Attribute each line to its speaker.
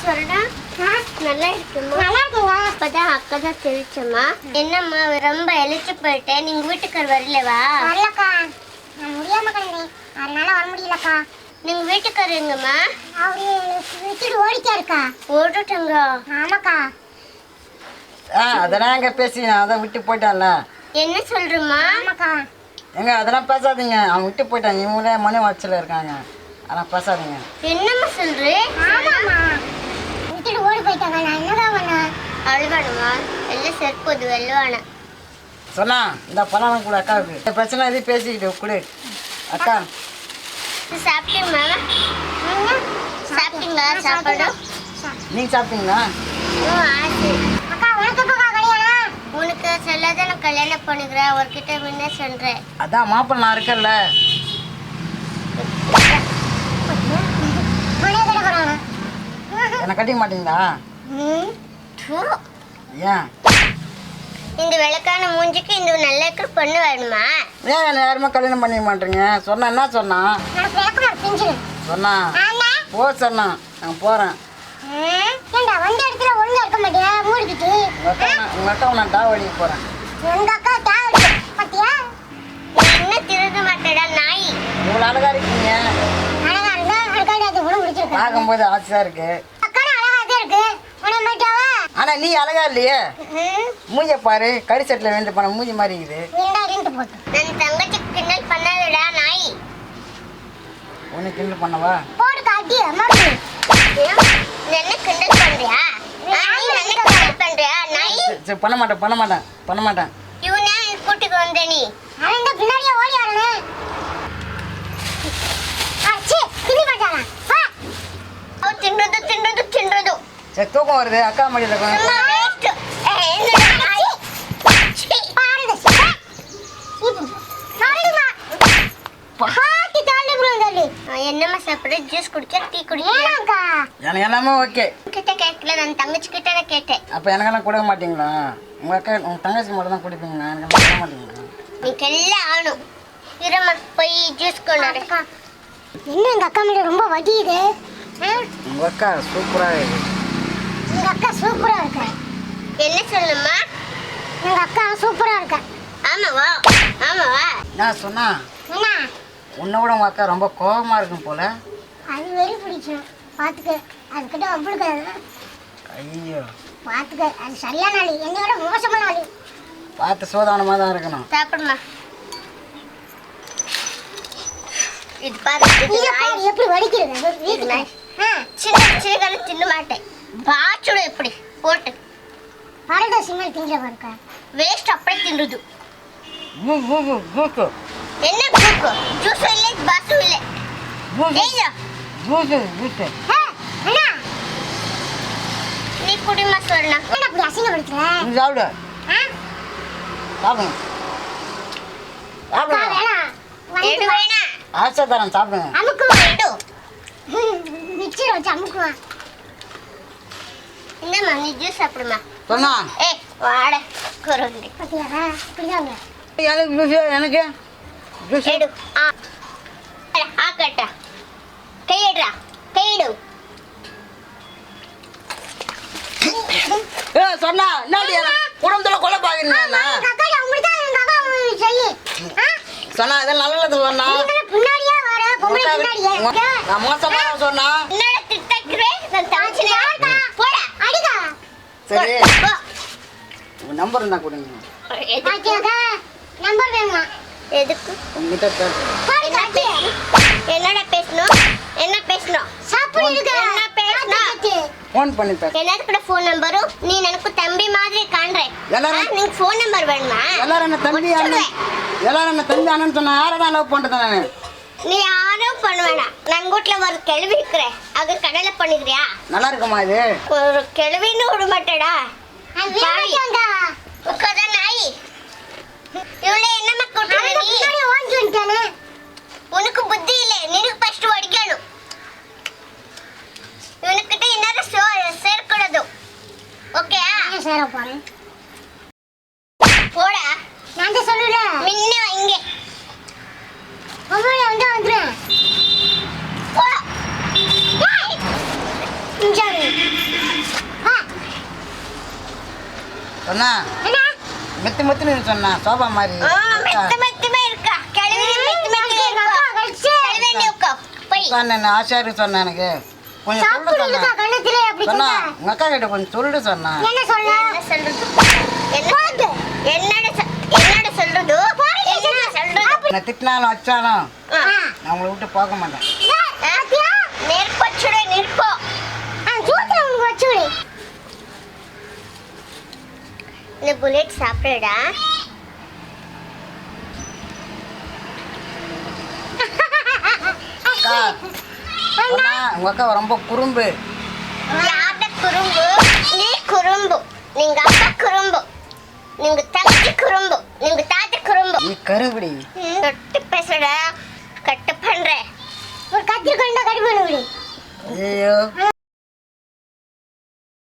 Speaker 1: சொல்றா நல்லா இருக்குமா? நல்லா இருக்குங்க. அப்பதான் அக்கா தான் தெரிச்சம்மா. என்னம்மா ரொம்ப எலிச்சு போயிட்டேன், நீங்க வீட்டுக்கு வரலவா?
Speaker 2: வரலக்கா, நான் முடியாம கிடந்தேன், அதனால வர முடியலக்கா.
Speaker 1: நீங்க வீட்டுக்காரர் எங்கம்மா?
Speaker 2: அவரு விட்டுட்டு ஓடிட்டாருக்கா.
Speaker 1: ஓடிட்டாங்க?
Speaker 2: ஆமாக்கா.
Speaker 3: அதெல்லாம் எங்க பேசி அதை விட்டு போயிட்டான்ல.
Speaker 1: என்ன சொல்றமா?
Speaker 2: ஆமாக்கா.
Speaker 3: எங்க அதெல்லாம் பேசாதீங்க, அவன் விட்டு போயிட்டான். இவங்களே மனு வாட்சில இருக்காங்க, அதெல்லாம் பேசாதீங்க.
Speaker 1: என்னம்மா சொல்றே?
Speaker 2: ஆமாம்மா, விட்டுட்டு ஓடி போயிட்டாங்க. நான் என்னதான் பண்ண?
Speaker 1: அழுவானுமா? எல்லாம் செருப்பது வெள்ளுவான
Speaker 3: சொன்னா இந்த பணம் கூட அக்காவுக்கு இந்த பிரச்சனை எதுவும் பேசிக்கிட்டு கொடு அக்கா.
Speaker 1: சாப்பிட்டீங்களா? சாப்பிட்டீங்களா? சாப்பாடு
Speaker 3: நீங்க சாப்பிட்டீங்களா?
Speaker 2: அக்கா, உனக்கு எப்பக்கா கல்யாணம்?
Speaker 1: உனக்கு சொல்லாத நான் கல்யாணம் பண்ணிக்கிறேன், அவர்கிட்ட முன்ன சொல்றேன்.
Speaker 3: அதான் மாப்பிள்ள நான் இருக்கேன்ல. என்னை கட்டிக்க மாட்டீங்களா? ஏன்
Speaker 1: இந்த விளக்கான மூஞ்சிக்கு இந்த நல்ல பொண்ணு வேணுமா?
Speaker 3: ஏன் என்ன யாருமே கல்யாணம் பண்ணிக்க மாட்டீங்க? சொன்னா என்ன சொன்னா? சொன்னா போ சொன்னா நான் போறேன்.
Speaker 2: வந்த இடத்துல ஒழுங்கா இருக்க மாட்டியா? மூடிக்கிட்டு
Speaker 3: உங்க அக்கா நான் டாவடிக்கு போறேன்.
Speaker 2: உங்க அக்கா டாவடி பாத்தியா?
Speaker 1: என்ன திருட மாட்டேடா நாய்.
Speaker 3: இவ்வளவு அழகா இருக்கீங்க.
Speaker 2: அழகா இருந்தா அழகாடி அது கூட முடிச்சிருக்க.
Speaker 3: பார்க்கும்போது ஆசையா இருக்கு.
Speaker 2: அக்கா அழகா தான் இருக்கு. உன மாட்டாவா?
Speaker 3: ஆனா நீ அழகா இல்லையே. மூஞ்ச பாரு, கறி செட்டில் வேண்டு பண்ண மூஞ்சி மாதிரி இருக்குது.
Speaker 2: ரெண்டு போட்டு
Speaker 1: நான் தங்கச்சி கிண்டல் பண்ணாதடா நாய்.
Speaker 3: உனக்கு கிண்டல் பண்ணவா?
Speaker 2: போட்டு காட்டி அம்மாடி.
Speaker 1: என்ன கிண்டல் பண்றியா? நீ என்ன கிண்டல் பண்றியா நாய்?
Speaker 3: சரி பண்ண மாட்டேன்.
Speaker 1: இவனே கூட்டிக்கு வந்த நீ.
Speaker 2: அவன் இந்த பின்னாடியே ஓடி வரனே. அச்சி கிளி மாட்டானா? வா.
Speaker 1: அவ தின்றது.
Speaker 3: சரி தூக்கம் வருது, அக்கா மடியில்
Speaker 1: அம்மா
Speaker 3: இருக்கும்.
Speaker 1: வேஸ்ட். என்ன நாய்?
Speaker 2: பாருங்க. பாருங்கம்மா. பாட்டி தாண்டி புடுங்கடி.
Speaker 1: என்னம்மா சாப்பிடு? ஜூஸ் குடிக்க, டீ குடிக்க?
Speaker 2: ஏனாக்கா?
Speaker 3: எனக்கு எல்லாமே ஓகே.
Speaker 1: கிட்ட கேட்கல, நான் தங்கச்சி கிட்ட தான் கேட்டேன்.
Speaker 3: அப்போ எனக்கெல்லாம் கொடுக்க மாட்டீங்களா? உங்க அக்கா உங்க தங்கச்சி மட்டும் தான் குடிப்பீங்களா? எனக்கு கொடுக்க மாட்டீங்களா?
Speaker 1: நீக்கு எல்லாம் ஆகணும். இருமா போய் ஜூஸ் கொண்டாடு.
Speaker 2: என்ன எங்க அக்கா மேல ரொம்ப வடியுது?
Speaker 3: உங்க அக்கா சூப்பரா இருக்கு.
Speaker 2: எங்க அக்கா சூப்பரா இருக்கு.
Speaker 1: என்ன சொல்லுமா?
Speaker 2: எங்க அக்கா சூப்பரா இருக்கு.
Speaker 1: ஆமாவா?
Speaker 3: நான் சொன்னா
Speaker 2: என்ன?
Speaker 3: உன்னை விட உங்க அக்கா ரொம்ப கோபமா இருக்கும் போல.
Speaker 2: அது வெறி பிடிக்கும். பாத்துக்க, அதுக்கிட்ட அவ்வளவு
Speaker 3: ஐயோ
Speaker 2: பாத்துக்க, அது சரியான ஆளு, என்னையோட மோசமான ஆளு.
Speaker 3: பார்த்து சோதானமா தான் இருக்கணும்.
Speaker 1: சாப்பிடுமா. இது பாரு,
Speaker 2: இத பாரு எப்படி வடிக்கிறது வீட்டுல.
Speaker 1: சின்ன தின்ன மாட்டேன். பாச்சுட எப்படி போட்டு
Speaker 2: பரட சிமல் திங்க பாருக்க.
Speaker 1: வேஸ்ட் அப்படியே தின்னுது.
Speaker 3: ஜூஸ்
Speaker 1: என்ன கூக்கு? ஜூஸ் இல்லை, பாசு இல்லை. ஏய்யா
Speaker 2: அண்ணா,
Speaker 1: நீ குடிமா சொல்லனா.
Speaker 2: என்ன அப்படி அசிங்கப்படுத்துற?
Speaker 3: நீ சாப்பிடு. சாப்பிடுங்க.
Speaker 1: எடு வேணா.
Speaker 3: ஆசை தரேன், சாப்பிடுங்க.
Speaker 2: அமுக்குவா.
Speaker 1: எடு.
Speaker 2: மிக்சர் வச்சு அமுக்குவா.
Speaker 1: இந்தம்மா நீ ஜூஸ் சாப்பிடுமா.
Speaker 3: சொன்னா
Speaker 1: ஏய் வாட குருண்டி.
Speaker 2: பாத்தியா இப்படிதாங்க.
Speaker 3: எனக்கு ஜூஸ், எனக்கு ஜூஸ்.
Speaker 1: எடு. ஆ கட்ட கையெடுறா, கையெடு.
Speaker 3: சொன்னா என்னடி குடும்பத்துல கொலை பாக்குறீங்க?
Speaker 2: அக்கா அப்படிதான் எங்க அக்கா சொல்லி.
Speaker 3: சொன்னா இதெல்லாம் நல்லது சொன்னா.
Speaker 2: பின்னாடியே வர பொம்பளை பின்னாடியே.
Speaker 3: நான் மோசமா சொன்னா.
Speaker 1: என்னடா திட்டக்குறே? நான் தங்கச்சினே. போடா
Speaker 2: அடிக்கா.
Speaker 3: சரி
Speaker 1: போ.
Speaker 3: உங்க நம்பர் இருந்தா கொடுங்க.
Speaker 2: பாத்தியாக்கா, நம்பர் வேணுமா?
Speaker 1: எதுக்கு?
Speaker 3: உங்ககிட்ட
Speaker 1: என்னடா பேசணும்? என்ன பேசணும்?
Speaker 2: சாப்பிடு இருக்கு.
Speaker 1: என்ன பேசணும்?
Speaker 3: ஃபோன் பண்ணி பேச.
Speaker 1: எல்லாரும் கூட ஃபோன் நம்பரும் நீ எனக்கு தம்பி மாதிரி காண்றேன்.
Speaker 3: எல்லாரும்
Speaker 1: நீங்க ஃபோன் நம்பர் வேணுமா?
Speaker 3: எல்லாரும் என்ன தம்பி அண்ணன், எல்லாரும் என்ன தம்பி அண்ணன் சொன்னா யாரதான் லவ் பண்றது நானு?
Speaker 1: நீ யாரும் பண்ண வேணாம். நான் வீட்டுல ஒரு கேள்வி இருக்கிறேன், அது கடலை பண்ணிக்கிறியா?
Speaker 3: நல்லா இருக்குமா இது?
Speaker 1: ஒரு கேள்வின்னு விட மாட்டேடா.
Speaker 2: வேண்டாம்டா.
Speaker 1: உட்காத நாய். இவளே என்னமா கூட்டுற நீ?
Speaker 2: பின்னாடி ஓடி வந்துட்டானே.
Speaker 1: உனக்கு புத்தி இல்லை, நீனுக்கு ஃபர்ஸ்ட் ஓடிக்கணும். இவனுக்கிட்ட என்ன சேர்க்கூடாது. ஓகே?
Speaker 2: சேர போறேன்.
Speaker 1: போடா.
Speaker 2: நான் தான் சொல்லல.
Speaker 1: மின்ன இங்கே
Speaker 2: பொம்பளை வந்துடுறேன்.
Speaker 1: போடா.
Speaker 2: இங்க
Speaker 3: சொன்னா
Speaker 2: என்ன
Speaker 3: மெத்து மெத்துன்னு சொன்னா சோபா மாதிரி
Speaker 1: மெத்தமே இருக்கா கிளவி மெத்தமே இருக்கா கிளவி நீ உட்கா போய்
Speaker 3: நான் ஆசாரி சொன்னேன் எனக்கு கொஞ்சம் சொல்லு
Speaker 2: சாப்பிடுறதுக்கா
Speaker 3: சொன்னா
Speaker 2: கண்ணத்திலே அப்படி
Speaker 3: சொன்னா
Speaker 2: சொன்னா
Speaker 3: உங்க அக்கா கிட்ட கொஞ்சம் சொல்லு சொன்னா
Speaker 2: என்ன சொல்ல
Speaker 1: என்ன சொல்றது என்னோட சொல்றது என்ன சொல்றது
Speaker 3: நான் திட்டினாலும் வச்சாலும்
Speaker 1: ஆ.
Speaker 3: நான் உங்களை விட்டு போக மாட்டேன்
Speaker 1: நெருப்பச்சுடே நெருப்போ
Speaker 2: சூத்துல உனக்கு வச்சுடு
Speaker 1: இந்த புல்லட் சாப்பிடுடா
Speaker 3: அக்கா சொன்னா உங்க அக்கா ரொம்ப குறும்பு
Speaker 1: யார்ட குறும்பு நீ குறும்பு நீங்க அப்பா குறும்பு நீங்க தங்கச்சி குறும்பு நீங்க தாத்தா குறும்பு
Speaker 3: நீ கருவிடி
Speaker 1: தொட்டு பேசுடா கட்டு பண்றேன்
Speaker 2: ஒரு கத்தி கொண்டா கடி பண்ண விடு
Speaker 3: ஐயோ